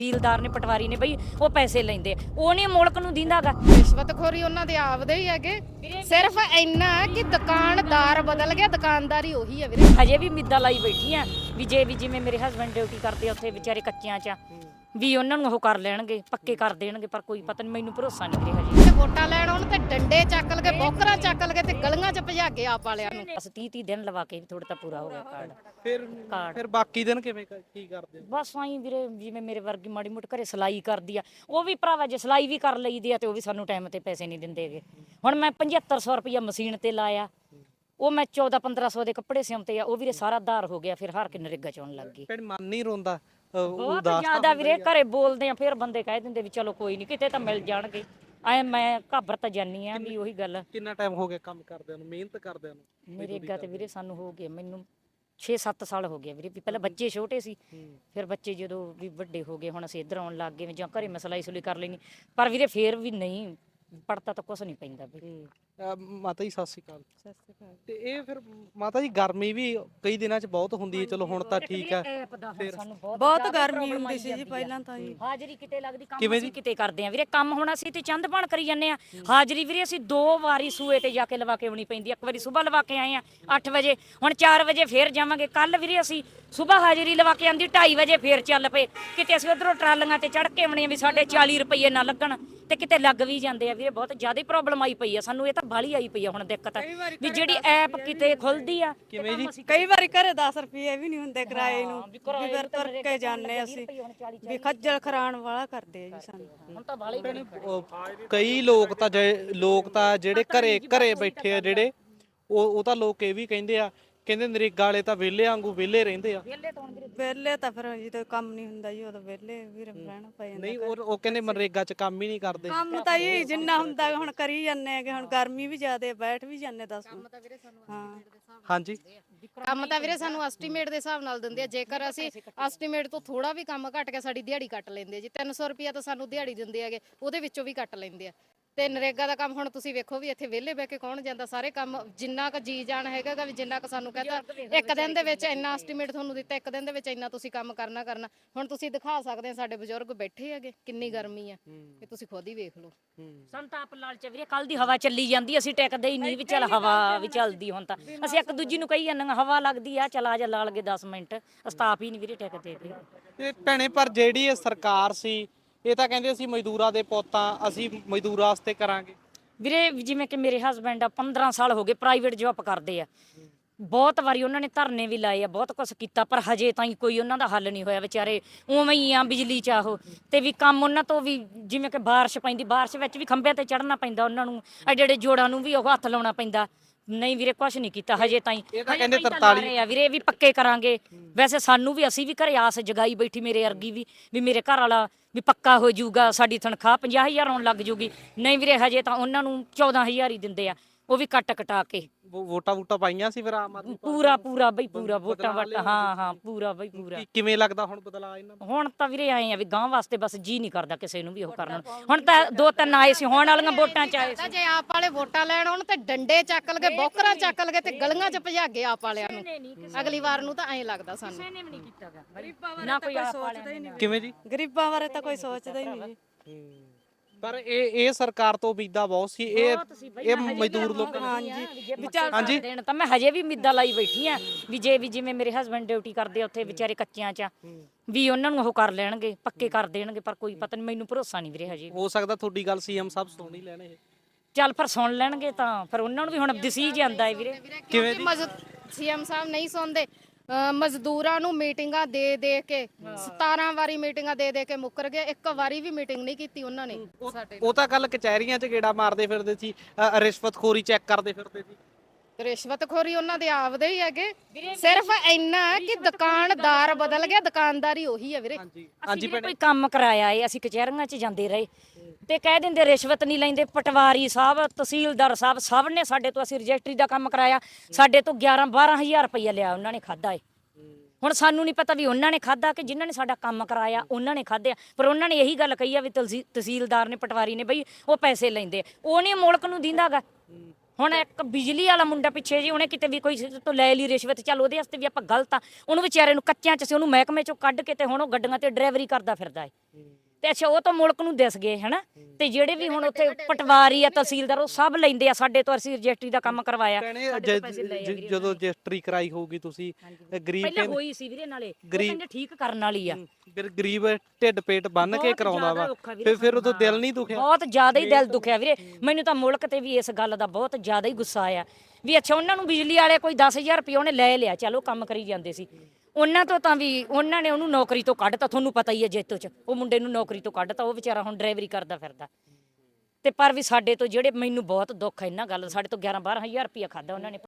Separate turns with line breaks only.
ਤਹਿਸੀਲਦਾਰ ਨੇ ਪਟਵਾਰੀ ਨੇ ਬਈ ਉਹ ਪੈਸੇ ਲੈਂਦੇ ਉਹ ਨਹੀਂ ਮੁਲਕ ਨੂੰ ਦਿੰਦਾਗਾ।
ਰਿਸ਼ਵਤਖੋਰੀ ਉਹਨਾਂ ਦੇ ਆਪਦੇ ਹੀ ਹੈਗੇ, ਸਿਰਫ ਇੰਨਾ ਕਿ ਦੁਕਾਨਦਾਰ ਬਦਲ ਗਿਆ, ਦੁਕਾਨਦਾਰੀ ਉਹੀ ਹੈ ਵੀਰੇ।
ਹਜੇ ਵੀ ਮਿੱਦਾ ਲਾਈ ਬੈਠੀ ਆ ਵੀ ਜੇ ਵੀ ਜਿਵੇਂ ਮੇਰੇ ਹਸਬੰਡ ਡਿਊਟੀ ਕਰਦੇ ਆ ਉੱਥੇ ਵਿਚਾਰੇ ਕੱਚਿਆਂ 'ਚ ਵੀ ਉਹਨਾਂ ਨੂੰ ਉਹ ਕਰ ਲੈਣਗੇ, ਪੱਕੇ ਕਰ ਦੇਣਗੇ, ਪਰ ਕੋਈ ਪਤਾ ਨਹੀਂ, ਮੈਨੂੰ ਭਰੋਸਾ ਨਹੀਂ ਵੀਰੇ ਹਜੇ।
ਤੇ ਵੋਟਾਂ ਲੈਣ ਆਉਣ ਤੇ ਡੰਡੇ ਚੱਕ ਲਗੇ, ਬੋਕਰਾਂ ਚੱਕ ਲਗੇ ਤੇ ਗਲੀਆਂ 'ਚ ਭਜਾ ਕੇ ਆਪ ਵਾਲਿਆਂ ਨੂੰ।
ਬਸ 30 ਦਿਨ ਲਵਾ ਕੇ ਥੋੜਾ ਤਾਂ ਪੂਰਾ ਹੋ ਗਿਆ ਕਾਰਡ।
ਫਿਰ ਬਾਕੀ ਦਿਨ ਕਿਵੇਂ ਕੀ ਕਰਦੇ ਹੋ?
ਬਸ ਆਈ ਵੀਰੇ, ਜਿਵੇਂ ਮੇਰੇ ਵਰਗੀ ਮਾੜੀ ਮੋਟੀ ਘਰੇ ਸਿਲਾਈ ਕਰਦੀ ਆ, ਉਹ ਵੀ ਭਰਾਵਾ ਜੇ ਸਿਲਾਈ ਵੀ ਕਰ ਲਈਦੀ ਆ ਤੇ ਉਹ ਵੀ ਸਾਨੂੰ ਟਾਈਮ ਤੇ ਪੈਸੇ ਨਹੀਂ ਦਿੰਦੇਗੇ। ਹੁਣ ਮੈਂ 7500 ਰੁਪਇਆ ਮਸ਼ੀਨ ਤੇ ਲਾਇਆ, ਉਹ ਮੈਂ 14-1500 ਦੇ ਕੱਪੜੇ ਸਿਉਂਤੇ ਆ, ਉਹ ਵੀਰੇ ਸਾਰਾ ਧਾਰ ਹੋ ਗਿਆ, ਫਿਰ ਹਾਰ ਕੇ ਨਰੇਗਾ ਚੋਂ ਲੱਗ ਗਈ।
ਫਿਰ ਮਨ ਨਹੀਂ ਰੋਂਦਾ?
ਬਹੁਤ ਜ਼ਿਆਦਾ ਵੀਰੇ, ਘਰੇ ਬੋਲਦੇ ਆ ਫਿਰ ਬੰਦੇ ਕਹਿ ਦਿੰਦੇ ਵੀ ਚਲੋ ਕੋਈ ਨਹੀਂ ਕਿਤੇ ਤਾਂ ਮਿਲ ਜਾਣਗੇ। ਐ ਮੈਂ ਘਾਬਰ ਤਾਂ ਜਾਨੀ ਆ ਵੀ ਉਹੀ ਗੱਲ।
ਕਿੰਨਾ ਟਾਈਮ ਹੋ ਗਿਆ ਕੰਮ ਕਰਦਿਆਂ ਨੂੰ, ਮਿਹਨਤ ਕਰਦਿਆਂ ਨੂੰ?
ਨਰੇਗਾ ਤੇ ਵੀਰੇ ਸਾਨੂੰ ਹੋ ਗਏ, ਮੈਨੂੰ 6-7 ਸਾਲ ਹੋ ਗਏ ਵੀਰੇ। ਵੀ ਪਹਿਲਾਂ ਬੱਚੇ ਛੋਟੇ ਸੀ, ਫਿਰ ਬੱਚੇ ਜਦੋਂ ਵੀ ਵੱਡੇ ਹੋ ਗਏ, ਹੁਣ ਅਸੀਂ ਇੱਧਰ ਆਉਣ ਲੱਗ ਗਏ, ਜਾਂ ਘਰੇ ਮੈਂ ਸਿਲਾਈ ਸੁਲੀ ਕਰ ਲੈਣੀ, ਪਰ ਵੀਰੇ ਫੇਰ ਵੀ ਨਹੀਂ ਪੜਤਾ ਤਾਂ ਕੁਛ ਨਹੀਂ ਪੈਂਦਾ ਵੀਰੇ।
ਮਾਤਾ ਜੀ ਸਤਿ ਸ਼੍ਰੀ ਅਕਾਲ। ਤੇ ਇਹ ਫਿਰ ਮਾਤਾ ਜੀ ਗਰਮੀ ਵੀ ਕਈ ਦਿਨਾਂ 'ਚ ਬਹੁਤ ਹੁੰਦੀ ਹੈ, ਚਲੋ ਹੁਣ ਤਾਂ ਠੀਕ ਹੈ।
ਬਹੁਤ ਗਰਮੀ ਹੁੰਦੀ ਸੀ ਜੀ ਪਹਿਲਾਂ ਤਾਂ ਜੀ।
ਹਾਜ਼ਰੀ ਕਿਤੇ ਲੱਗਦੀ, ਕੰਮ ਅਸੀਂ ਕਿਤੇ ਕਰਦੇ ਆ ਵੀਰੇ। ਕੰਮ ਹੁਣ ਅਸੀਂ ਤੇ ਚੰਦ ਬਣ ਕਰੀ ਜਾਂਦੇ ਆ, ਹਾਜ਼ਰੀ ਵੀਰੇ ਅਸੀਂ 2 ਵਾਰੀ ਸੂਏ ਤੇ ਜਾ ਕੇ ਲਵਾ ਕੇ ਆਉਣੀ ਪੈਂਦੀ। ਇੱਕ ਵਾਰੀ ਸਵੇਰ ਲਵਾ ਕੇ ਆਏ ਆ 8 ਵਜੇ, ਹੁਣ 4 ਵਜੇ ਫੇਰ ਜਾਵਾਂਗੇ। ਕੱਲ ਵੀਰੇ ਅਸੀਂ ਸਵੇਰ ਹਾਜ਼ਰੀ ਲਵਾ ਕੇ ਆਂਦੀ, 2:30 ਵਜੇ ਫੇਰ ਚੱਲ ਪਏ। ਕਿਤੇ ਅਸੀਂ ਉਧਰੋਂ ਟਰਾਲੀਆਂ ਤੇ ਚੜ ਕੇ ਆਉਣੇ ਵੀ ਸਾਡੇ 40 ਰੁਪਏ ਨਾ ਲੱਗਣ, ਤੇ ਕਿਤੇ ਲੱਗ ਵੀ ਜਾਂਦੇ ਆ ਵੀਰੇ। ਬਹੁਤ ਜ਼ਿਆਦਾ ਪ੍ਰੋਬਲਮ ਆਈ ਪਈ ਆ ਸਾਨੂੰ, ਇਹ ਤਾਂ ਬਾਹਲੀ ਆਈ ਪਈ ਆ ਹੁਣ ਦਿੱਕਤ ਵੀ ਜਿਹੜੀ ਐਪ ਕਿਤੇ ਖੁੱਲਦੀ ਆ।
ਕਿਵੇਂ ਜੀ?
ਕਈ ਵਾਰੀ ਘਰੇ 10 ਰੁਪਏ ਵੀ ਨਹੀਂ ਹੁੰਦੇ ਕਿਰਾਏ ਨੂੰ, ਵੀ ਫਿਰ ਤੁਰ ਕੇ ਜਾਂਦੇ ਅਸੀਂ, ਵੀ ਖੱਜਲ ਖਰਾਣ ਵਾਲਾ ਕਰਦੇ ਆ ਜੀ ਸਾਨੂੰ।
ਹੁਣ ਤਾਂ ਬਾਹਲੀ
ਕਈ ਲੋਕ ਤਾਂ ਜਿਹੜੇ ਘਰੇ ਬੈਠੇ ਆ, ਜਿਹੜੇ ਉਹ ਤਾਂ ਲੋਕ ਇਹ ਵੀ ਕਹਿੰਦੇ ਨਰੇਗਾ ਵਾਲੇ ਤਾਂ ਵਿਹਲੇ ਵਾਂਗੂ ਵਿਹਲੇ ਰਹਿੰਦੇ ਆ।
ਵਿਹਲੇ ਤਾਂ ਫਿਰ ਜਦੋਂ ਕੰਮ ਨਹੀਂ ਹੁੰਦਾ ਜੀ ਉਦੋਂ ਵਿਹਲੇ ਵੀ ਰਹਿਣਾ ਪੈ ਜਾਂਦਾ।
ਨਹੀਂ, ਉਹ ਕਹਿੰਦੇ ਮਨਰੇਗਾ 'ਚ ਕੰਮ ਹੀ ਨਹੀਂ ਕਰਦੇ।
ਕੰਮ ਤਾਂ ਜੀ ਜਿੰਨਾ ਹੁੰਦਾ ਹੁਣ ਕਰੀ ਜਾਂਦੇ ਹੈਗੇ, ਹੁਣ ਗਰਮੀ ਵੀ ਜ਼ਿਆਦੇ, ਬੈਠ ਵੀ ਜਾਂਦੇ 10 ਹਾਂ।
ਹਾਂਜੀ,
ਕੰਮ ਤਾਂ ਵੀਰੇ ਸਾਨੂੰ ਐਸਟੀਮੇਟ ਦੇ ਹਿਸਾਬ ਨਾਲ ਦਿੰਦੇ ਆ। ਜੇਕਰ ਅਸੀਂ ਐਸਟੀਮੇਟ ਤੋਂ ਥੋੜਾ ਵੀ ਕੰਮ ਘਟ ਗਿਆ, ਸਾਡੀ ਦਿਹਾੜੀ ਕੱਟ ਲੈਂਦੇ ਆ ਜੀ। 300 ਰੁਪਿਆ ਤਾਂ ਸਾਨੂੰ ਦਿਹਾੜੀ ਦਿੰਦੇ ਹੈਗੇ, ਉਹਦੇ ਵਿੱਚੋਂ ਵੀ ਕੱਟ ਲੈਂਦੇ ਆ। ਤੇ ਨਰੇਗਾ ਦਾ ਕੰਮ ਹੁਣ ਤੁਸੀਂ ਵੇਖੋ ਵੀ ਇੱਥੇ ਵਿਹਲੇ ਬਹਿ ਕੇ ਕੌਣ ਜਾਂਦਾ। ਸਾਰੇ ਕੰਮ ਜਿੰਨਾ ਕੁ ਜੀ ਜਾਣ ਹੈਗਾ ਵੀ, ਜਿੰਨਾ ਕੁ ਸਾਨੂੰ ਕਹਿੰਦਾ ਇੱਕ ਦਿਨ ਦੇ ਵਿੱਚ ਇੰਨਾ ਐਸਟੀਮੇਟ ਤੁਹਾਨੂੰ ਦਿੱਤਾ, ਇੱਕ ਦਿਨ ਦੇ ਵਿੱਚ ਇੰਨਾ ਤੁਸੀਂ ਕੰਮ ਕਰਨਾ। ਹੁਣ ਤੁਸੀਂ ਦਿਖਾ ਸਕਦੇ ਆ, ਸਾਡੇ ਬਜ਼ੁਰਗ ਬੈਠੇ ਹੈਗੇ, ਕਿੰਨੀ ਗਰਮੀ ਆ, ਇਹ ਤੁਸੀਂ ਖੁਦ ਹੀ ਵੇਖ ਲਓ।
ਸਾਨੂੰ ਤਾਂ ਆਪ ਲਾਲਚ ਵੀਰੇ, ਕੱਲ ਦੀ ਹਵਾ ਚੱਲੀ ਜਾਂਦੀ, ਅਸੀਂ ਟਿਕਦੇ ਹੀ ਨਹੀਂ ਵੀ ਚੱਲ ਹਵਾ ਵੀ ਚੱਲਦੀ। ਹੁਣ ਤਾਂ ਅਸੀਂ ਇੱਕ ਦੂਜੀ ਨੂੰ ਕਹੀ ਜਾਂਦੇ ਹਵਾ ਲੱਗਦੀ ਆ, ਚੱਲ ਆ ਜਾ ਲਾ ਲਗੇ 10 ਮਿੰਟ, ਸਤਾਪ ਹੀ ਨਹੀਂ ਵੀਰੇ ਟਿਕਦੇ।
ਤੇ ਭੈਣੇ ਪਰ ਜਿਹੜੀ ਇਹ ਸਰਕਾਰ ਸੀ, ਇਹ ਤਾਂ ਕਹਿੰਦੇ ਅਸੀਂ ਮਜ਼ਦੂਰਾਂ ਦੇ ਪੁੱਤਾਂ, ਅਸੀਂ ਮਜ਼ਦੂਰਾਂ ਵਾਸਤੇ ਕਰਾਂਗੇ।
ਵੀਰੇ ਜਿਵੇਂ ਕਿ ਮੇਰੇ ਹਸਬੈਂਡ ਆ 15 ਸਾਲ ਹੋ ਗਏ ਪ੍ਰਾਈਵੇਟ ਜੌਬ ਕਰਦੇ ਆ, ਬਹੁਤ ਵਾਰੀ ਉਹਨਾਂ ਨੇ ਧਰਨੇ ਵੀ ਲਾਏ ਆ, ਬਹੁਤ ਕੁਝ ਕੀਤਾ, ਪਰ ਹਜੇ ਤਾਈਂ ਕੋਈ ਉਹਨਾਂ ਦਾ ਹੱਲ ਨਹੀਂ ਹੋਇਆ। ਵਿਚਾਰੇ ਉਵੇਂ ਹੀ ਆ ਬਿਜਲੀ ਚ ਆਹੋ, ਤੇ ਵੀ ਕੰਮ ਉਹਨਾਂ ਤੋਂ ਵੀ ਜਿਵੇਂ ਕਿ ਬਾਰਿਸ਼ ਪੈਂਦੀ, ਬਾਰਿਸ਼ ਵਿੱਚ ਵੀ ਖੰਭਿਆਂ ਤੇ ਚੜ੍ਹਨਾ ਪੈਂਦਾ ਉਹਨਾਂ ਨੂੰ, ਜਿਹੜੇ ਜੋੜਾਂ ਨੂੰ ਵੀ ਉਹ ਹੱਥ ਲਾਉਣਾ ਪੈਂਦਾ। ਨਹੀਂ ਵੀਰੇ ਕੁਛ ਨਹੀਂ ਕੀਤਾ ਹਜੇ ਤਾਈਂ।
ਇਹ ਤਾਂ ਕਹਿੰਦੇ 43
ਆ ਵੀਰੇ ਵੀ ਪੱਕੇ ਕਰਾਂਗੇ। ਵੈਸੇ ਸਾਨੂੰ ਵੀ, ਅਸੀਂ ਵੀ ਘਰੇ ਆਸ ਜਗਾਈ ਬੈਠੀ, ਮੇਰੇ ਅਰਗੀ ਵੀ ਮੇਰੇ ਘਰ ਵਾਲਾ ਵੀ ਪੱਕਾ ਹੋ ਜਾਊਗਾ, ਸਾਡੀ ਤਨਖਾਹ 50,000 ਆਉਣ ਲੱਗ ਜੂਗੀ। ਨਹੀਂ ਵੀਰੇ ਹਜੇ ਤਾਂ ਉਹਨਾਂ ਨੂੰ 14,000 ਹੀ ਦਿੰਦੇ ਆ, ਉਹ ਵੀ ਕੱਟ ਕਟਾ ਕੇ।
ਵੋਟਾਂ ਪਾਈਆਂ ਸੀ ਫਿਰ ਆਮ ਆਦਮੀ
ਪੂਰਾ ਬਈ ਪੂਰਾ ਵੋਟਾਂ ਹਾਂ ਪੂਰਾ ਬਈ ਪੂਰਾ।
ਕਿਵੇਂ ਲੱਗਦਾ ਹੁਣ ਬਦਲਾਅ ਇਹਨਾਂ ਦਾ?
ਹੁਣ ਤਾਂ ਵੀਰੇ ਆਏ ਆ ਵੀ ਗਾਂ ਵਾਸਤੇ ਬਸ ਜੀ ਨਹੀਂ ਕਰਦਾ ਕਿਸੇ ਨੂੰ ਵੀ ਉਹ ਕਰਨ। ਹੁਣ ਤਾਂ 2-3 ਆਏ ਸੀ, ਹੋਣ ਵਾਲੀਆਂ ਵੋਟਾਂ ਚ ਆਏ ਸੀ।
ਜੇ ਆਪ ਵਾਲੇ ਵੋਟਾਂ ਲੈਣ ਆਉਣ ਤੇ ਡੰਡੇ ਚੱਕ ਲਗੇ, ਬੋਕਰਾਂ ਚੱਕ ਲਗੇ ਤੇ ਗਲੀਆਂ 'ਚ ਭਜਾ ਕੇ ਆਪ ਵਾਲਿਆਂ ਨੂੰ। ਅਗਲੀ ਵਾਰ ਨੂੰ ਤਾਂ ਐਂ ਲੱਗਦਾ ਸਾਨੂੰ।
ਨੇ ਵੀ ਨਹੀਂ ਕੀਤਾਗਾ ਨਾ ਕੋਈ
ਸੋਚਦਾ ਹੀ ਨਹੀਂ।
ਕਿਵੇਂ ਜੀ?
ਗਰੀਬਾਂ ਬਾਰੇ ਤਾਂ ਕੋਈ ਸੋਚਦਾ ਹੀ ਨਹੀਂ ਜੀ।
ਪਰ ਇਹ ਸਰਕਾਰ ਤੋਂ ਉਮੀਦਾਂ ਬਹੁਤ ਸੀ। ਇਹ ਮਜ਼ਦੂਰ ਲੋਕਾਂ
ਹਾਂਜੀ ਦੇਣ ਤਾਂ ਮੈਂ ਹਜੇ ਵੀ ਮਿੱਦਾ ਲਾਈ ਬੈਠੀ ਆ ਵੀ ਜੇ ਵੀ ਜਿਵੇਂ ਮੇਰੇ ਹਸਬੰਡ ਡਿਊਟੀ ਕਰਦੇ ਆ ਉੱਥੇ ਵਿਚਾਰੇ ਕੱਚਿਆਂ 'ਚ ਵੀ ਉਹਨਾਂ ਨੂੰ ਉਹ ਕਰ ਲੈਣਗੇ, ਪੱਕੇ ਕਰ ਦੇਣਗੇ, ਪਰ ਕੋਈ ਪਤਾ ਨਹੀਂ, ਮੈਨੂੰ ਭਰੋਸਾ ਨਹੀਂ ਵੀਰੇ ਹਜੇ।
ਹੋ ਸਕਦਾ ਤੁਹਾਡੀ ਗੱਲ ਸੀਐਮ ਸਾਹਿਬ ਸੁਣ ਹੀ ਲੈਣ। ਇਹ
ਚੱਲ ਫਿਰ ਸੁਣ ਲੈਣਗੇ ਤਾਂ ਫਿਰ ਉਹਨਾਂ ਨੂੰ ਵੀ ਹੁਣ ਦਿਸੀ ਜਾਂਦਾ ਹੈ ਵੀਰੇ।
ਕਿਵੇਂ
ਸੀਐਮ ਸਾਹਿਬ ਨਹੀਂ ਸੁਣਦੇ, ਮਜ਼ਦੂਰਾਂ ਨੂੰ ਮੀਟਿੰਗਾਂ ਦੇ ਕੇ 17 ਵਾਰੀ ਮੀਟਿੰਗਾਂ ਦੇ ਕੇ ਮੁੱਕਰ ਗਏ। ਇੱਕ ਵਾਰੀ ਵੀ ਮੀਟਿੰਗ ਨਹੀਂ ਕੀਤੀ ਉਹਨਾਂ ਨੇ ਸਾਡੇ।
ਉਹ ਤਾਂ ਕੱਲ ਕਚਹਿਰੀਆਂ 'ਚ ਗੇੜਾ ਮਾਰਦੇ ਫਿਰਦੇ ਸੀ, ਰਿਸ਼ਵਤਖੋਰੀ ਚੈੱਕ ਕਰਦੇ ਫਿਰਦੇ ਸੀ।
ਰਿਸ਼ਵਤਖੋਰੀ ਉਹਨਾਂ ਦੇ ਆਪਦੇ ਹੀ ਹੈਗੇ, ਸਿਰਫ ਇੰਨਾ ਕਿ ਦੁਕਾਨਦਾਰ ਬਦਲ ਗਿਆ, ਦੁਕਾਨਦਾਰੀ ਉਹੀ ਹੈ ਵੀਰੇ।
ਹਾਂਜੀ ਕੋਈ ਕੰਮ ਕਰਾਇਆ ਏ, ਅਸੀਂ ਕਚਹਿਰੀਆਂ 'ਚ ਜਾਂਦੇ ਰਹੇ ਤੇ ਕਹਿ ਦਿੰਦੇ ਰਿਸ਼ਵਤ ਨਹੀਂ ਲੈਂਦੇ। ਪਟਵਾਰੀ ਸਾਹਿਬ, ਤਹਿਸੀਲਦਾਰ ਸਾਹਿਬ, ਸਭ ਨੇ ਸਾਡੇ ਤੋਂ, ਅਸੀਂ ਰਜਿਸਟਰੀ ਦਾ ਕੰਮ ਕਰਾਇਆ, ਸਾਡੇ ਤੋਂ 11-12,000 ਰੁਪਈਆ ਲਿਆ ਉਹਨਾਂ ਨੇ, ਖਾਦਾ ਏ। ਹੁਣ ਸਾਨੂੰ ਨਹੀਂ ਪਤਾ ਵੀ ਉਹਨਾਂ ਨੇ ਖਾਦਾ ਕਿ ਜਿਨ੍ਹਾਂ ਨੇ ਸਾਡਾ ਕੰਮ ਕਰਾਇਆ ਉਹਨਾਂ ਨੇ ਖਾਧਿਆ, ਪਰ ਉਹਨਾਂ ਨੇ ਇਹੀ ਗੱਲ ਕਹੀ ਆ ਵੀ ਤਹਿਸੀਲਦਾਰ ਨੇ, ਪਟਵਾਰੀ ਨੇ ਬਈ ਉਹ ਪੈਸੇ ਲੈਂਦੇ, ਉਹ ਨਹੀਂ ਮੁਲਕ ਨੂੰ ਦਿੰਦਾਗਾ। ਹੁਣ ਇੱਕ ਬਿਜਲੀ ਵਾਲਾ ਮੁੰਡਾ ਪਿੱਛੇ ਜੀ ਉਹਨੇ ਕਿਤੇ ਵੀ ਕੋਈ ਤੋਂ ਲੈ ਲਈ ਰਿਸ਼ਵਤ, ਚੱਲ ਉਹਦੇ ਵਾਸਤੇ ਵੀ ਆਪਾਂ ਗਲਤ ਆ, ਉਹਨੂੰ ਵਿਚਾਰੇ ਨੂੰ ਕੱਚਿਆਂ ਚ ਸੀ, ਉਹਨੂੰ ਮਹਿਕਮੇ ਚੋਂ ਕੱਢ ਕੇ ਤੇ ਹੁਣ ਉਹ ਗੱਡੀਆਂ ਤੇ ਡਰਾਈਵਰੀ ਕਰਦਾ ਫਿਰਦਾ ਏ। ਤੇ ਅੱਛਾ ਉਹ ਤਾਂ ਮੁਲਕ ਨੂੰ ਦਿਸ ਗਏ ਹਨਾ, ਤੇ ਜਿਹੜੇ ਵੀ ਹੁਣ ਉੱਥੇ ਪਟਵਾਰੀ ਆ ਤਹਿਸੀਲਦਾਰ ਉਹ ਸਭ ਲੈਂਦੇ ਆ ਸਾਡੇ ਤੋਂ, ਅਸੀਂ ਰਜਿਸਟਰੀ ਦਾ ਕੰਮ ਕਰਵਾਇਆ ਸਾਡੇ ਤੋਂ ਪੈਸੇ ਲਏ ਆ ਵੀਰੇ।
ਜਦੋਂ ਰਜਿਸਟਰੀ ਕਰਾਈ ਹੋਊਗੀ ਤੁਸੀਂ ਗਰੀਬ
ਪਹਿਲਾਂ ਹੋਈ ਸੀ ਵੀਰੇ, ਨਾਲੇ ਉਹ ਕਹਿੰਦੇ ਠੀਕ ਕਰਨ ਵਾਲੀ ਆ।
ਫਿਰ ਗਰੀਬ ਢਿੱਡ ਪੇਟ ਬੰਨ ਕੇ
ਬਹੁਤ
ਕਰਾਉਂਦਾ ਵਾ,
ਜ਼ਿਆਦਾ ਔਖਾ ਵੀਰੇ
ਫਿਰ ਉਦੋਂ ਦਿਲ ਨਹੀਂ ਦੁਖਿਆ?
ਬਹੁਤ ਜ਼ਿਆਦਾ ਹੀ ਦਿਲ ਦੁਖਿਆ ਵੀਰੇ ਮੈਨੂੰ ਤਾਂ, ਮੁਲਕ ਤੇ ਵੀ ਇਸ ਗੱਲ ਦਾ ਬਹੁਤ ਜ਼ਿਆਦਾ ਹੀ ਗੁੱਸਾ ਆਇਆ ਵੀ ਅੱਛਾ ਉਹਨਾਂ ਨੂੰ ਬਿਜਲੀ ਵਾਲੇ ਕੋਈ 10,000 ਰੁਪਏ ਉਹਨੇ ਲੈ ਲਿਆ, ਚਲੋ ਕੰਮ ਕਰੀ ਜਾਂਦੇ ਸੀ, ਉਹਨਾਂ ਤੋਂ ਤਾਂ ਵੀ ਉਹਨਾਂ ਨੇ ਉਹਨੂੰ ਨੌਕਰੀ ਤੋਂ ਕੱਢਤਾ। ਤੁਹਾਨੂੰ ਪਤਾ ਹੀ ਹੈ ਜੇਤੂ ਚ ਉਹ ਮੁੰਡੇ ਨੂੰ ਨੌਕਰੀ ਤੋਂ ਕੱਢਤਾ, ਉਹ ਵਿਚਾਰਾ ਹੁਣ ਡਰਾਈਵਰੀ ਕਰਦਾ ਫਿਰਦਾ। ਤੇ ਪਰ ਵੀ ਸਾਡੇ ਤੋਂ ਜਿਹੜੇ, ਮੈਨੂੰ ਬਹੁਤ ਦੁੱਖ ਹੈ ਇਹਨਾਂ ਗੱਲ, ਸਾਡੇ ਤੋਂ 11-12 ਹਜ਼ਾਰ ਰੁਪਇਆ ਖਾਦਾ ਉਹਨਾਂ ਨੇ।